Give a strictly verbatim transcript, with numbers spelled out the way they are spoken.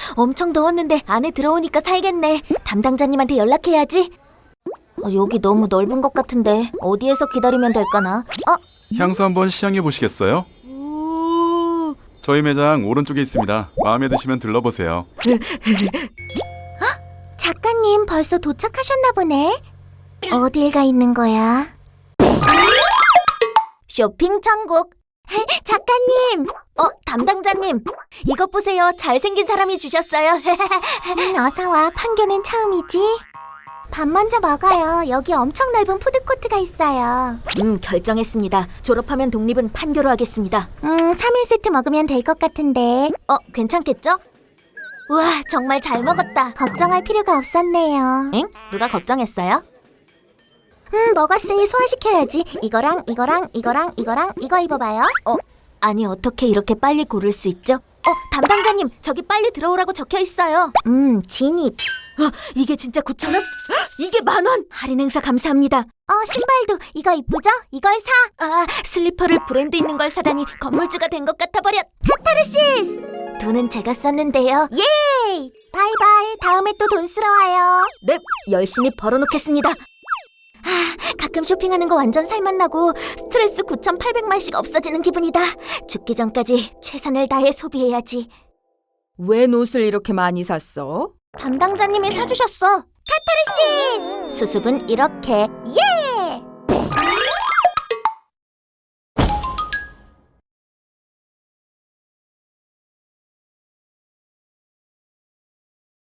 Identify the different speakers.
Speaker 1: 엄청 더웠는데 안에 들어오니까 살겠네. 담당자님한테 연락해야지. 어, 여기 너무 넓은 것 같은데 어디에서 기다리면 될까나? 어?
Speaker 2: 향수 한번 시향해 보시겠어요? 저희 매장 오른쪽에 있습니다. 마음에 드시면 들러보세요.
Speaker 1: 작가님 벌써 도착하셨나 보네. 어딜 가 있는 거야? 쇼핑 천국. 작가님! 어, 담당자님! 이것 보세요. 잘생긴 사람이 주셨어요. 음, 어서와. 판교는 처음이지? 밥 먼저 먹어요. 여기 엄청 넓은 푸드코트가 있어요. 음, 결정했습니다. 졸업하면 독립은 판교로 하겠습니다. 음, 삼 일 세트 먹으면 될 것 같은데. 어, 괜찮겠죠? 우와, 정말 잘 먹었다. 걱정할 필요가 없었네요. 응? 누가 걱정했어요? 음, 먹었으니 소화시켜야지. 이거랑 이거랑 이거랑 이거랑 이거 입어봐요. 어, 아니 어떻게 이렇게 빨리 고를 수 있죠? 어, 담당자님, 저기 빨리 들어오라고 적혀 있어요. 음, 진입. 어, 이게 진짜 구천 원? 이게 만 원! 할인 행사 감사합니다. 어, 신발도 이거 이쁘죠? 이걸 사. 아, 슬리퍼를 브랜드 있는 걸 사다니 건물주가 된 것 같아 버렸. 카타르시스! 돈은 제가 썼는데요. 예이! 바이바이. 다음에 또 돈 쓰러 와요. 네, 열심히 벌어놓겠습니다. 아, 가끔 쇼핑하는 거 완전 살맛나고 스트레스 구천팔백만씩 없어지는 기분이다. 죽기 전까지 최선을 다해 소비해야지.
Speaker 3: 웬 옷을 이렇게 많이 샀어?
Speaker 1: 담당자님이 사주셨어. 카타르시스! 수습은 이렇게. 예!